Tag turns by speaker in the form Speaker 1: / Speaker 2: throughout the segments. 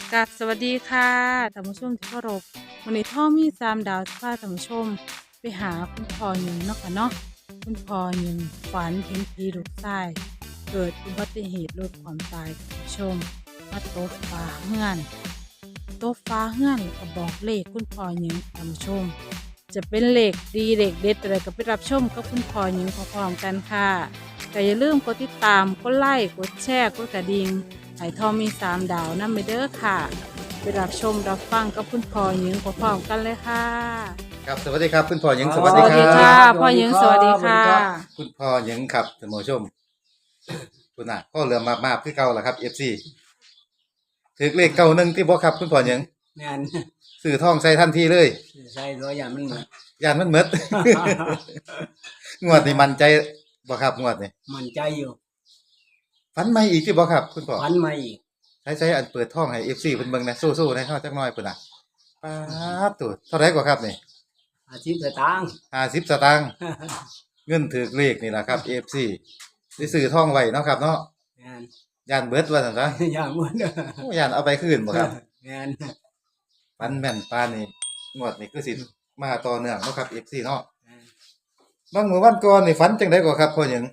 Speaker 1: กับสวัสดีค่ะท่านผู้ชมที่เคารพวันนี้ท่อมี3 ดาวจะพาท่านผู้ชมไปหาคุณพ่อหนึ่งเนาะค่ะเนาะคุณพ่อหนึ่งฝันเห็นผีลูกชายเกิดอุบัติเหตุรถความตายท่านผู้ชมมาตกฟ้าเฮือนตกฟ้าเฮือนแล้วก็บอกเลขคุณพ่อหนึ่งท่านผู้ชมจะเป็นเลขดีเลขเด็ดอะไรก็ไปรับชมกับคุณพ่อหนึ่งพร้อมๆกันค่ะแต่อย่าลืมกดติดตามกดไลค์กดแชร์กดกระดิ่ง ไห่ทองมี3 ดาวนำไปเด้อค่ะไปรับชมรับฟังกับคุณพ่อหญิงพร้อมๆกันเลยค่ะ
Speaker 2: ครับสวัสดีครับคุณพ่อหญิง
Speaker 3: อ๋อ
Speaker 2: สวัสดี
Speaker 1: สวัส
Speaker 2: ค
Speaker 1: ดี
Speaker 2: รั
Speaker 1: ค่ะ
Speaker 2: บ
Speaker 1: พ่อหญิงสวัสดีค่ะ
Speaker 2: คุณพ่อหญิงครับท่านผู้ชมคุณน่ะพ่อเรือมาคือเก่าล่ะครับ FC ถือเลขเก่าหนึงที่บ่ครับคุณพ่อหญิง
Speaker 3: แม่น
Speaker 2: ซื้อทองใส่ทันทีเลย
Speaker 3: ใส่ตัวอย่างมันหมด
Speaker 2: ย่านมันหมด งวดนี้มั่นใจบ่ครับงวดนี้
Speaker 3: มันใจอยู่
Speaker 2: ฝันใหม่อีกที่บ่ครับคุณพ่อ
Speaker 3: พันมาอีก
Speaker 2: ใช้อันเปิดทองให้ FC เพิ่นเบิ่งนะสู้ๆให้เฮาจักหน่อยพุ่นน่ะป๊าดตัวเท่าไหร่กว่าครับนี่
Speaker 3: 50 สตางค์
Speaker 2: 50 สตางค์เงินถือเลขนี่ล่ะครับ FC สิซื้อทองไว้เนาะครับเนาะ
Speaker 3: แม่น
Speaker 2: ย่านเบิดว่าซั่นซะ
Speaker 3: อย่างหมด
Speaker 2: โอ้ย่านเอาไปคืนบ่ครับ
Speaker 3: แม่น
Speaker 2: ปันแม่นปานนี่งวดนี่คือสิมาต่อเนื่องเนาะครับ FC เนาะบางมื้อวันก่อนนี่ฝันจังได๋ก็ครับพ่อหยัง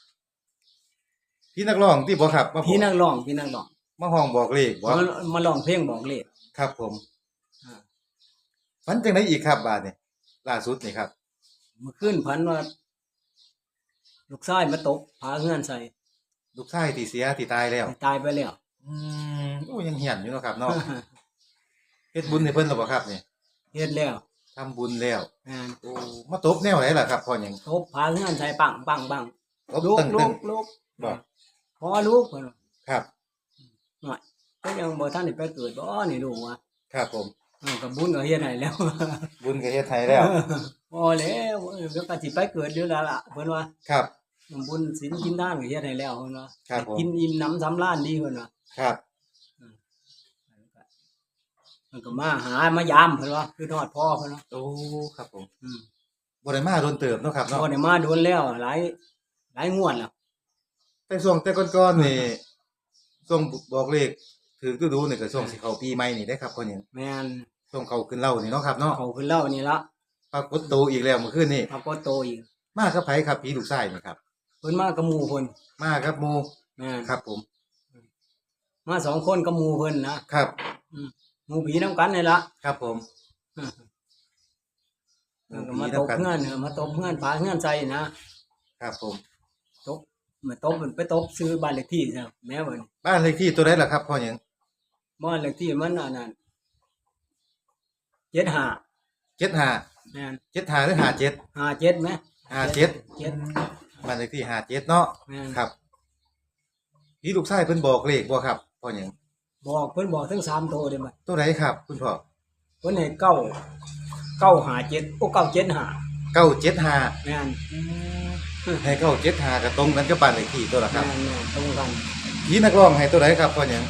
Speaker 2: พี่นักร้องที่บ่ครับมาบอก
Speaker 3: พี่นักร้องพี่นักร้อง
Speaker 2: มาห้องบอกเลขบ่
Speaker 3: มาร้องเพลงบอกเลข
Speaker 2: ครับผม
Speaker 3: อ่า
Speaker 2: ฝันจังได๋อีกครับบาดนี้ล่าสุดนี่ครับ
Speaker 3: เมื่อคืนพันว่า ลูกชายมาตกพาเฮือนใส่
Speaker 2: ลูกชายที่เสียที่ตายแล้ว
Speaker 3: ตายไปแล้ว
Speaker 2: โอ้ยังเหียนอยู่เนาะครับเนาะเฮ็ดบุญให้เพิ่นแล้วบ่ครับนี่
Speaker 3: เฮ็ดแล้ว
Speaker 2: ทำบุญแล้ว
Speaker 3: แม่น
Speaker 2: โอ้มาตบแนวไหนล่ะครับพ่อหยัง
Speaker 3: ตบพาเฮือนใส่ปังปังปัง
Speaker 2: ตบ
Speaker 3: ลูก
Speaker 2: ตึ้ง
Speaker 3: ลู
Speaker 2: ตึ้ง
Speaker 3: กลูก
Speaker 2: บ่
Speaker 3: พอลูกเพิ่นว่า
Speaker 2: ครับ
Speaker 3: หน่อยก็ยังบ่ทันได้ไปเกิดบ่นี่ลูกว่า
Speaker 2: ครับผม
Speaker 3: ก็บุญก็เฮ็ดให้แล้ว
Speaker 2: บุญก็เฮ็ดให้แล้ว
Speaker 3: พอแล้วเดี๋ยวก็สิไปเกิดเดี๋ยวแล้วล่ะเพิ่นว่า
Speaker 2: ครับ
Speaker 3: บุญศีลกินทานก็เฮ็ดให้แล้วเพิ่นว่า
Speaker 2: ครับผม
Speaker 3: กินอิ่มหนำสำราญดีเพิ่นว่า
Speaker 2: ครับ
Speaker 3: มันก็มามายามเพิ่นว่าคือทอดพ่อเพิ่นว่า
Speaker 2: โอ้ครับผม
Speaker 3: อืม
Speaker 2: บ่ได้มาโดนเติบเนาะครับเนาะ
Speaker 3: บ่ได้มาโดนแล้วหลายงวดแล้ว
Speaker 2: แต่ช่วงแต่ก่อนๆนี่ช่วงบอกเลขถือดูๆนี่ก็ช่วงสิเข้าปีใหม่นี่ได้ครับพ่อหยัง
Speaker 3: แม่น
Speaker 2: ช่วงเข้าขึ้นเหล้านี่เนาะครับเนาะ
Speaker 3: เขาขึ้นเล่านี่ละ
Speaker 2: ปรากฏตัวอีกแล้วเมื่อคืนนี่
Speaker 3: พระก็โตอีก
Speaker 2: มากับไผครับผีลูกชายนี่ครับ
Speaker 3: เพิ่นมากับหมู่เพิ่น
Speaker 2: มาครับหมู่
Speaker 3: แม่น
Speaker 2: ครับผม
Speaker 3: มาสองคนกับหมู่เพิ่นนะครับ หมู่ผีนํกันนี่ละ
Speaker 2: ครับผม
Speaker 3: ก็มาตบเฮือนมาตบเฮือนพาเฮือนใส่นะครับ
Speaker 2: ผม
Speaker 3: ตบมาตบไปตบซื้อบ้านเลขที่ซะแม่เพิ่น
Speaker 2: บ้านเลขที่ตัวใดล่ะครับพ่อหยัง
Speaker 3: บ้านเลขที่มันอันนั้น75
Speaker 2: 75
Speaker 3: แม่น
Speaker 2: 75หรือ57
Speaker 3: 57มั้ย
Speaker 2: 57
Speaker 3: 7
Speaker 2: บ้านเลขที่57เนาะ
Speaker 3: แม่น
Speaker 2: ครับผีลูกชายเพิ่นบอกเลขบ่ครับพ่อหยัง
Speaker 3: บอกเพิ่นบอกทั้ง3โตเลยมั้ย
Speaker 2: ตัวใดครับ คุณพ่อ
Speaker 3: เพิ่นให้957โอ้975
Speaker 2: 975
Speaker 3: แม่น
Speaker 2: ให้975ก็ตรงกันกับบ้านเลขที่ตัวละครับ
Speaker 3: แม่นตรงกัน
Speaker 2: ผีนักร้องให้ตัวใดครับพ่อหยัง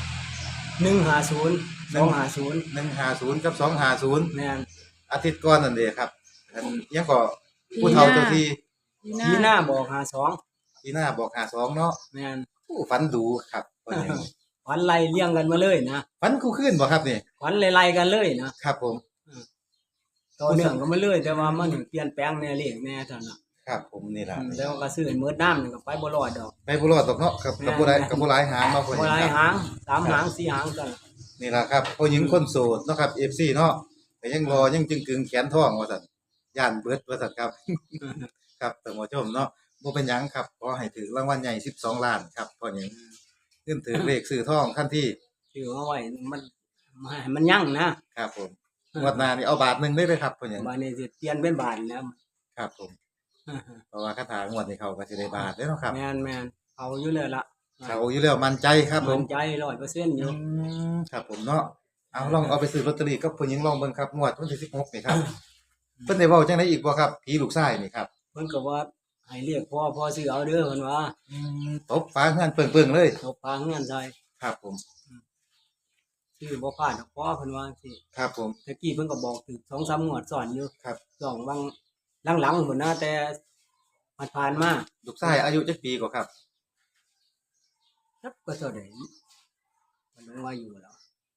Speaker 3: 150 250
Speaker 2: 150กับ250
Speaker 3: แม่น
Speaker 2: อาทิตย์ก่อนนั่นเด้ครับอันยังก็ผู้เฒ่าเจ้าที่
Speaker 3: ทีหน้าบอก52
Speaker 2: ที่หน้าบอก52เนาะ
Speaker 3: แม่น
Speaker 2: ผู้ฝันดูครับพ่อหยัง
Speaker 3: ฝันไล่เลี้ยงกันมาเลยนะ
Speaker 2: ฝันคู่คืนบ่ครับนี่
Speaker 3: ฝันไล่ๆกันเลยนะครับ
Speaker 2: ผม
Speaker 3: ต่อเนื่องกันมาเลยแต่ว่ามันเปลี่ยนแปลงแน่เลขแน่เท่านั้นน่ะ
Speaker 2: ครับผมนี่ล่ะ
Speaker 3: แต่ว่าก็ซื้อให้หมดน้ำนี่ก็ไปบ่รอดดอก
Speaker 2: ไปบ่รอดตกเนาะครับกับบ่ได้กับบ่หลายหางเนาะพ่อห
Speaker 3: บ่
Speaker 2: ยัง
Speaker 3: หลาย
Speaker 2: ครับ
Speaker 3: หาง3หาง4หางกัน
Speaker 2: นี่ล่ะครับผู้หญิงคนโสดเนาะครับ FC เนาะก็ยังรอยังจึงกึงแขนท้องว่าซั่นย่านเบิดว่าซั่นครับ ครับท่านผู้ชมเนาะบ่เป็นหยังครับขอให้ถือรางวัลใหญ่12ล้านครับพ่อหยังขึ้นถือเลขซื้อทองคันที่
Speaker 3: ชื่อเอาไว้มันให้มันยั่งนะครับ
Speaker 2: ผมงวดหน้านี่เอาบาทหนึงได้เลยครับพ่อหยัง
Speaker 3: บัดนี้สิเปลี่ยนเป็นบาทแล้ว
Speaker 2: ครับผมเพราะว่าคาถางวดนี้เขาก็สิได้บาทเด้อเนาะครับ
Speaker 3: แม่นๆเอาอยู่เลยล่ะ
Speaker 2: เขาอยู่แล้วมั่นใจครับผม
Speaker 3: มั่นใจ100%อยู่
Speaker 2: ครับผมเนาะเอาลองเอาไปซื้อลอตเตอรี่กับผู้หญิงลองเบิ่งครับงวดวันที่16นี่ครับเพิ่นได้เว้าจังไดอีกบ่ครับผีลูกชายนี่ครับ
Speaker 3: เพิ่นก็ว่าให้เรียกพ่อซื้อเอาเด้อเพิ่นว่า
Speaker 2: ตบฟ้าเฮือนเปิงๆเลย
Speaker 3: ตบพาเฮือนใส่
Speaker 2: ครับผม
Speaker 3: ชื่อบ่พลาดดอกพ่อเพิ่นว่าสิ
Speaker 2: ครับผม
Speaker 3: ตะกี้เพิ่นก็บอกถึง2-3งวดซ้อนอยู่
Speaker 2: ครับ
Speaker 3: สองบางหลังๆพุ่นนะแต่ผ่านๆมา
Speaker 2: ลูกชายอายุจักปีกว่าครับ
Speaker 3: จักก็เท่าใดมันลงว่าอยู่แล้ว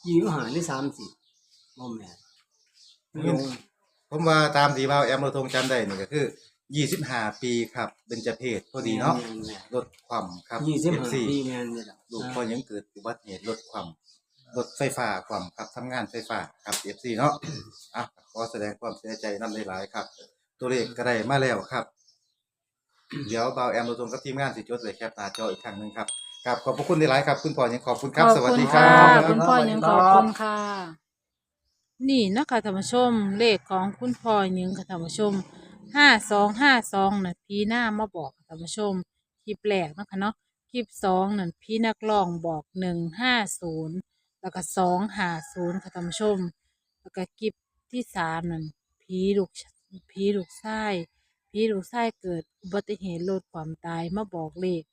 Speaker 3: 25หรือ30บ่แม่นมันลง
Speaker 2: ผมว่าตามที่บ่าวแอมเราทงจำได้นี่ก็คือ25ปีครับเบญจเพศพอดีเนาะ
Speaker 3: แม่น
Speaker 2: ลดความครับ
Speaker 3: 25
Speaker 2: FC
Speaker 3: ปีแม่นนี่ล่ะ
Speaker 2: ลูกพอยังเกิดอุบัติเหตุลดความรถไฟฟ้าความครับทำงานไฟฟ้าครับ FC เนาะอ่ะขอแสดงความเสียใจนำหลายๆครับ ตัวเลขก็ได้มาแล้วครับ เดี๋ยวบ่าวแอมเราทงกับทีมงานสิจดไว้แคปหน้าจออีกครั้งหนึงครับครับขอบพระคุณหลายๆครับคุณพ่อยังขอบคุณครับสวัสดีครั
Speaker 1: ขอบ
Speaker 2: บ
Speaker 1: คุณพ่อยังขอบคุณค่ะ นี่นะคะท่านผู้ชมเลขของคุณพ่อยังค่ะท่านผู้ชม5252น่ะพีหน้ามาบอกค่ะท่านผู้ชมคลิปแรกนะคะเนาะคลิปสองนั่นพีนักร้องบอก150แล้วก็250ค่ะท่านผู้ชม แล้วก็คลิปที่สามนั่นผีลูกชายผีลูกชายเกิดอุบัติเหตุรถความตายมาบอกเลข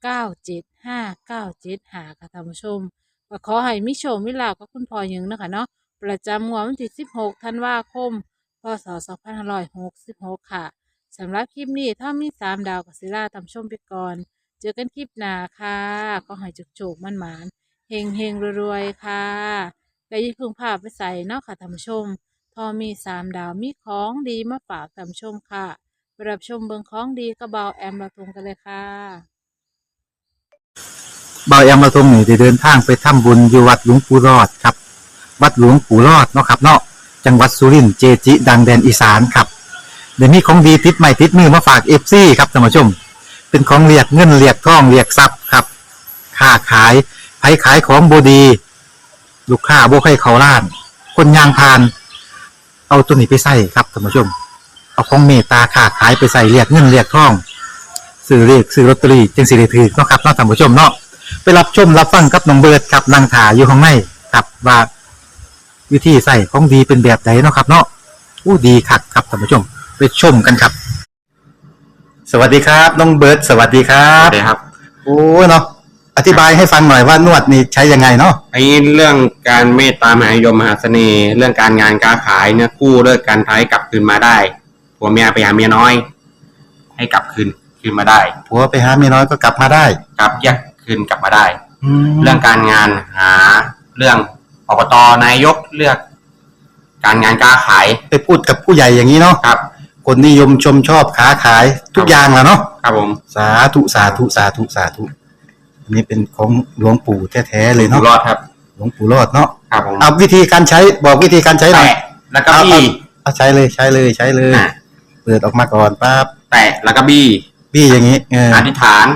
Speaker 1: 975975ค่ะท่านผู้ชม ก็ขอให้มิโชคมิลาภกับคุณพ่อหยิงนะคะเนาะประจำงวดวันที่16ธันวาคมพศ2566ค่ะสำหรับคลิปนี้ถ้ามี3 ดาวกับศิลาตามชมไปก่อน เจอกันคลิปหน้าค่ะก็ให้โชคๆมั่นหมานๆเฮงๆรวยๆค่ะและอย่าเพิ่งพาไปใส่เนาะค่ะท่านผู้ชมทอมี3 ดาวมีของดีมาฝากท่านผู้ชมค่ะไปรับชมเบิงของดีกระเบาแอมระทงกันเลยค่ะ
Speaker 4: บายอำมาตย์ทรงนี่ได้เดินทางไปทำบุญอยู่วัดหลวงปู่รอดครับ วัดหลวงปู่รอดเนาะครับเนาะจังหวัดสุรินทร์เจจิ ดังแดนอีสานครับเดี๋ยวนี้ของดีติดใหม่ติดมือมาฝากเอฟซีครับท่านผู้ชม เป็นของเรียกเงินเรียกทองเรียกทรัพย์ครับค้าขายไผขายของบดี ลูกค้าบ่ให้เขาล้าน คนยางพาน เอาตัวนี้ไปใส่ครับท่านผู้ชม เอาของเมตตาค้าขายไปใส่เรียกเงินเรียกทองซื้อเรียกซื้อลอตเตอรี่จึงสิได้ถือเนาะครับเนาะท่านผู้ชมเนาะไปรับชมรับฟังกับน้องเบิร์ดครับนางถาอยู่ข้างในครับว่าวิธีใส่ของดีเป็นแบบไหนเนาะครับเนาะอู้ดีคักครับท่านผู้ชมไปชมกันครับ สวัสดีครับน้องเบิร์ดสวัสดีครั
Speaker 5: ครับ บครับ
Speaker 4: โอ้เนาะอธิบายให้ฟังหน่อยว่านวดนี่ใช้ยังไงเนาะ
Speaker 5: ไอ้เรื่องการเมตตามหานิยมมหาเสน่ห์ เรื่องการงานการขายเนี่ยกู้เลิกการท้ายกลับคืนมาได้ผัวเมียไปหาเมียน้อย ให้กลับคืนมาได้
Speaker 4: ผัวไปหาเมียน้อยก็กลับมาได้
Speaker 5: กลับแยกคืนกลับมาได้
Speaker 4: แล้
Speaker 5: เรื่
Speaker 4: ว
Speaker 5: องการงานหาเรื่องอบตนายกเลือก การงานการขาย
Speaker 4: ไปพูดกับผู้ใหญ่อย่างนี้เนาะ
Speaker 5: ครับ
Speaker 4: คนนิยมชมชอบค้าขายทุกอย่างแหล้วเนาะ
Speaker 5: ครับผม
Speaker 4: สาธุสาธุสาธุสาธุอันนี้เป็นของหลวงปู่แท้ๆเลย
Speaker 5: อยู่
Speaker 4: เนาะ
Speaker 5: รอดครับ
Speaker 4: หลวงปู่รอดเนาะ
Speaker 5: ครับผม
Speaker 4: เอาวิธีการใช้บอกวิธีการใช้หน่อย
Speaker 5: แตะแล้วก็บี้
Speaker 4: เอาใช้เลยใช้เลยใช้เลย
Speaker 5: อ่ะ
Speaker 4: เปิดออกมาก่อนปั๊บ
Speaker 5: แตะแล้วก็บี้
Speaker 4: พี่อย่างนี้เออ
Speaker 5: อธิษฐาน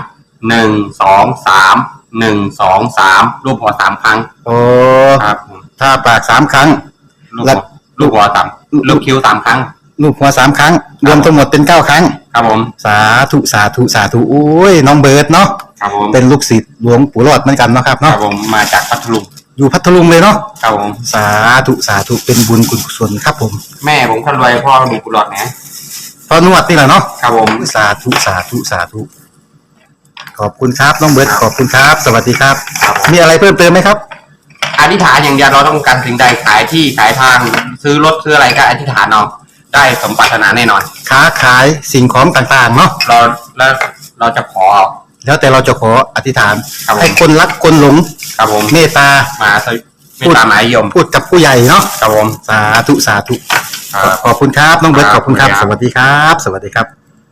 Speaker 5: 1 2 3 1 2 3รูปหัว3ครั้ง
Speaker 4: โอ้
Speaker 5: ครับผม
Speaker 4: ถ้าปาก3 ครั้ง
Speaker 5: ลูก
Speaker 4: แล้
Speaker 5: หั
Speaker 4: ว
Speaker 5: วลูกหัวต่ำลูกคิ้ว3ครั้ง
Speaker 4: ลูกหัว3 ครั้ง รวมทั้งหมดเป็น9 ครั้ง
Speaker 5: ครับผม
Speaker 4: สาธุสาธุสาธุโอ้ยน้องเบิร์ดเนาะ
Speaker 5: ครับผม
Speaker 4: เป็นลูกศิษย์หลวงปู่รอดเหมือนกันเนาะครับ
Speaker 5: ครับ
Speaker 4: เนาะ
Speaker 5: ผมมาจากพัทลุง
Speaker 4: อยู่พัทลุงเลยเนาะ
Speaker 5: ครับผม
Speaker 4: สาธุสาธุเป็นบุญกุศลครับผม
Speaker 5: แม่ผมคนรวยพ่อมีกุหลาบนะ
Speaker 4: พอนวดนี่แหละเนาะ
Speaker 5: ครับผม
Speaker 4: สาธุสาธุสาธุขอบคุณครับน้องเบิร์ดขอบคุณครับ สวัสดีครับ
Speaker 5: ครับผม
Speaker 4: มีอะไรเพิ่มเติมไหมครับ
Speaker 5: อธิษฐานอย่างเดียวเราต้องการสิ่งใดขายที่ขายทางซื้อรถซื้ออะไรก็อธิษฐานเอาได้สมปรารถนาแน่นอน
Speaker 4: ค้าขายสิ่งของต่างๆเนาะ
Speaker 5: เราแล้วเราจะขอ
Speaker 4: แล้วแต่เราจะขออธิษฐาน
Speaker 5: ครับผม
Speaker 4: ให้คนรักคนหลง
Speaker 5: ครับผม
Speaker 4: เมตตา
Speaker 5: มาสวิไม่ตามหมายยม
Speaker 4: พูดกับผู้ใหญ่เนาะ
Speaker 5: ครับผม
Speaker 4: สาธุสาธุ
Speaker 5: ครับ
Speaker 4: ขอบคุณครับน้องเบิร์ต
Speaker 5: ค
Speaker 4: ข
Speaker 5: รับ
Speaker 4: อบคุณครับ
Speaker 5: ขอบ
Speaker 4: ส
Speaker 5: คุณครับ
Speaker 4: วัสดีครับ สวัสดีครับ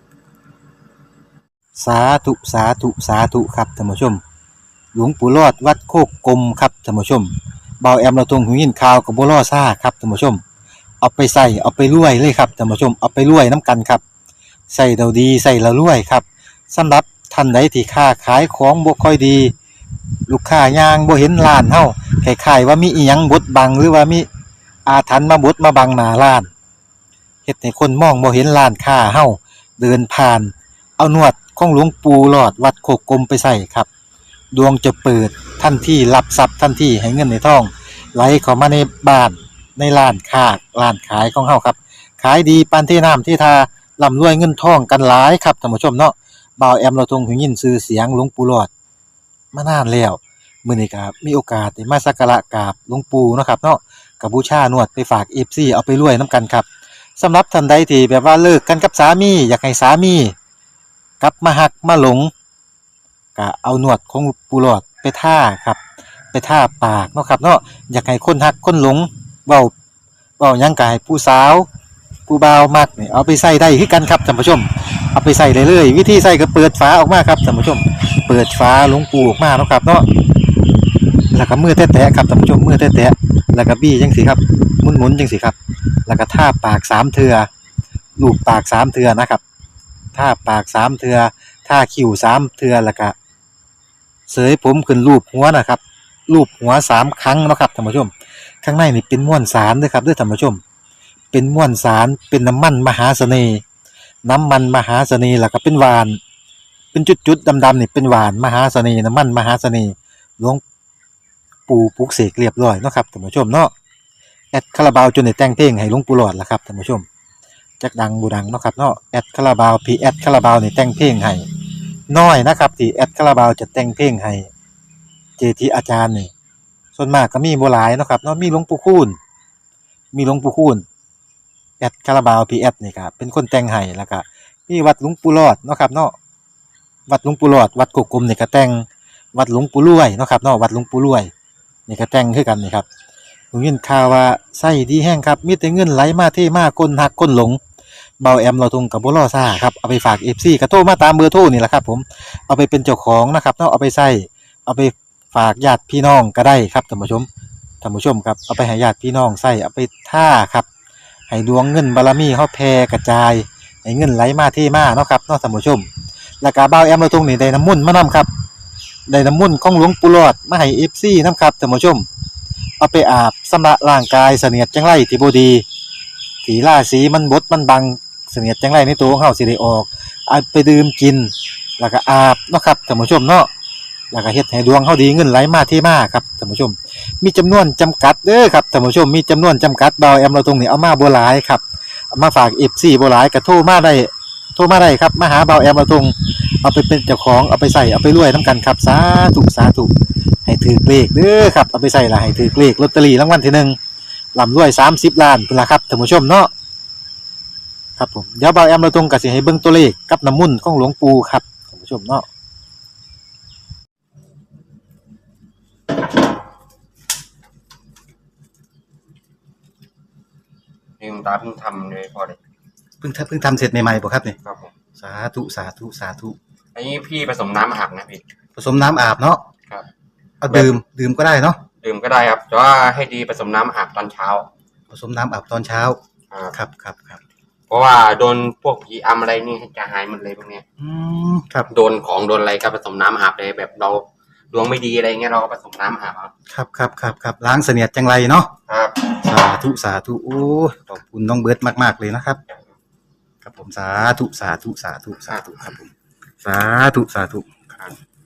Speaker 4: สาธุสาธุสาธุครับท่านผู้ชม หลวงปู่รอดวัดโคกกลมครับท่านผู้ชมเบาแอมเราตรงหูยินข่าวกับบัวล่อซ่าครับท่านผู้ชม เอาไปใส่เอาไปรวยเลยครับท่านผู้ชมเอาไปรวยน้ำกันครับใส่เราดีใส่เรารวยครับสำหรับท่านใดที่ค้าขายของบ่ค่อยดี ลูกค้ายางบ่เห็นร้านเฮาคล้ายๆว่ามีอีหยังบดบังหรือว่ามีอาถรรพ์มาบดมาบังหน้าร้านเฮ็ดให้คนมองบ่เห็นร้านค้าเฮาเดินผ่าน เอานวดของหลวงปู่หลอดวัดโคกกลมไปใส่ครับ ดวงจะเปิดทันทีรับทรัพย์ทันทีให้เงินในท้องไหลเข้ามาในบ้านในร้านค้าร้านขายของเฮาครับขายดีปานที่น้ำที่ทาร่ำรวยเงินทองกันหลายครับท่านผู้ชมเนาะบ่าวแอมเราทรงหูยินชื่อเสียงหลวงปู่หลอดมานานแล้วมื้อนี้ก็มีโอกาสได้มาสักการะกราบหลวงปู่เนาะครับเนาะก็บูชานวดไปฝาก FC เอาไปรวยนํกันครับสำหรับท่านใดที่แบบว่าเลิกกันกับสามีอยากให้สามีกลับมาหักมาหลงก็เอานวดของปู่หลอดไปท่าครับ ไปทาปากเนาะครับเนาะอยากให้คนฮักคนหลงเว้าหยังกายผู้สาวผู้บ่าวมักนี่เอาไปใส่ได้คือกันครับท่านผู้ชมเอาไปใส่ได้เลยวิธีใส่ก็เปิดฝาออกมาครับท่านผู้ชมเปิดฝาหลวงปูออกมาเนาะครับเนาะแล้วก็มือแตะๆครับท่านผู้ชมมือแตะๆแล้วก็บี้จังสิครับหมุนๆจังสิครับแล้วก็ทาปาก3เทื่อลูบปาก3เทื่อนะครับทาปาก3เทื่อทาคิ้ว3เทื่อแล้วก็เสยผมขึ้นรูปหัวนะครับรูปหัว3ครั้งเนาะครับท่านผู้ชมข้างในนี่เป็นม้วนสารเด้อครับเด้อท่านผู้ชมเป็นม้วนสารเป็นน้ำมันมหาเสน่ห์น้ำมันมหาเสน่ห์แล้วก็เป็นหวานเป็นจุดๆดำๆนี่เป็นหวานมหาเสน่ห์น้ำมันมหาเสน่ห์หลวงปู่ปลุกเสกเรียบร้อยเนาะครับท่านผู้ชมเนาะแอดคาราบาวจนได้แต่งเพลงให้หลวงปู่หลอดล่ะครับท่านผู้ชมจักดังบ่ดังเนาะครับเนาะแอดคาราบาวพี่แอดคาราบาวนี่แต่งเพลงให้น้อยนะครับที่แอดคาราบาวจะแต่งเพลงให้เจจิอาจารย์นี่ส่วนมากก็มีบ่หลายเนาะครับเนาะมีหลวงปู่คูณแอดคาราบาวพีแอดนี่ครับเป็นคนแต่งให้แล้วก็มีวัดหลวงปู่รอดเนาะครับเนาะวัดหลวงปู่รอดวัดกกกลมนี่ก็แต่งวัดหลวงปู่รวยเนาะครับเนาะวัดหลวงปู่รวยนี่ก็แต่งคือกันนี่ครับผมยินข่าวว่าไส้ดีแห้งครับมีแต่เงินไหลมาเทมาคนหักคนหลงเบาแอมเราทงกับบ่รอซ่าครับเอาไปฝาก FC ก็โทรมาตามเบอร์โทรนี่แหละครับผมเอาไปเป็นเจ้าของนะครับเนาะเอาไปใช้เอาไปฝากญาติพี่น้องก็ได้ครับท่านผู้ชมครับเอาไปให้ญาติพี่น้องใช้เอาไปท่าครับให้ดวงเงินบารมีเฮาแผ่กระจายให้เงินไหลมาเทมาเนาะครับเนาะท่านผู้ชมแล้วก็บ่าวแอมเราทงนี่ได้น้ำมนต์มานํครับได้น้ำมนต์ของหลวงปู่หลอดมาให้ FC นํครับท่านผู้ชมเอาไปอาบชำระร่างกายเสนียดจังไรที่บ่ดีที่ราศีมันบดมันบังเสนียดจังไรในตัวของเฮาสิได้ออกเอาไปดื่มกินแล้วก็อาบเนาะครับท่านผู้ชมเนาะแล้วก็เฮ็ดให้ดวงเฮาดีเงินไหลมาเทมาครับท่านผู้ชมมีจำนวนจำกัดเด้อครับท่านผู้ชมมีจำนวนจำกัดบ่าวแอมเราตรงนี้เอามาบ่หลายครับเอามาฝาก FC บ่หลายก็โทรมาได้ครับมาหาบ่าวแอมเราตรงเอาไปเป็นเจ้าของเอาไปใส่เอาไปรวยนํกันครับสาธุให้ถือเลขเด้อครับเอาไปใส่ละให้ถือเลขลอตเตอรี่รางวัลที่1ร่ำรวย30ล้านพุ่นล่ะครับท่านผู้ชมเนาะครับผมเดี๋ยวบ่าวแอมเราตรงก็สิให้เบิ่งตัวเลขกับน้ำมนต์ของหลวงปู่ครับท่านผู้ชมเนาะ
Speaker 5: นี่คุณตาเพิ่งทำเลยพอเลย
Speaker 2: เพิ่งทำเสร็จใหม่ๆบ่ครับนี่
Speaker 5: ครับผม
Speaker 2: สาธุ
Speaker 5: อันนี้พี่ผสมน้ำอาบนะพี่
Speaker 2: ผสมน้ำอาบเนาะ
Speaker 5: ครับ
Speaker 2: เอาดื่มก็ได้เนาะ
Speaker 5: ดื่มก็ได้ครับแต่ว่าให้ดีผสมน้ำอาบตอนเช้า
Speaker 2: ผสมน้ำอาบตอนเช้า ครับ
Speaker 5: เพราะว่าโดนพวกผีอำอะไรนี่จะหายหมดเลยพวกเนี้ย
Speaker 2: ครับ
Speaker 5: โดนของโดนอะไรก็ผสมน้ำอาบเลยแบบเราดวงไม่ดีอะไรเงี้ยเราก็ผสมน้ำอาบครับ
Speaker 2: ล้างเสนียดจังไรเนาะ
Speaker 5: ครับ
Speaker 2: สาธุโอ้ยขอบคุณน้องเบิร์ดมากๆเลยนะครับ ครับผมสาธุครับผมสาธุครับ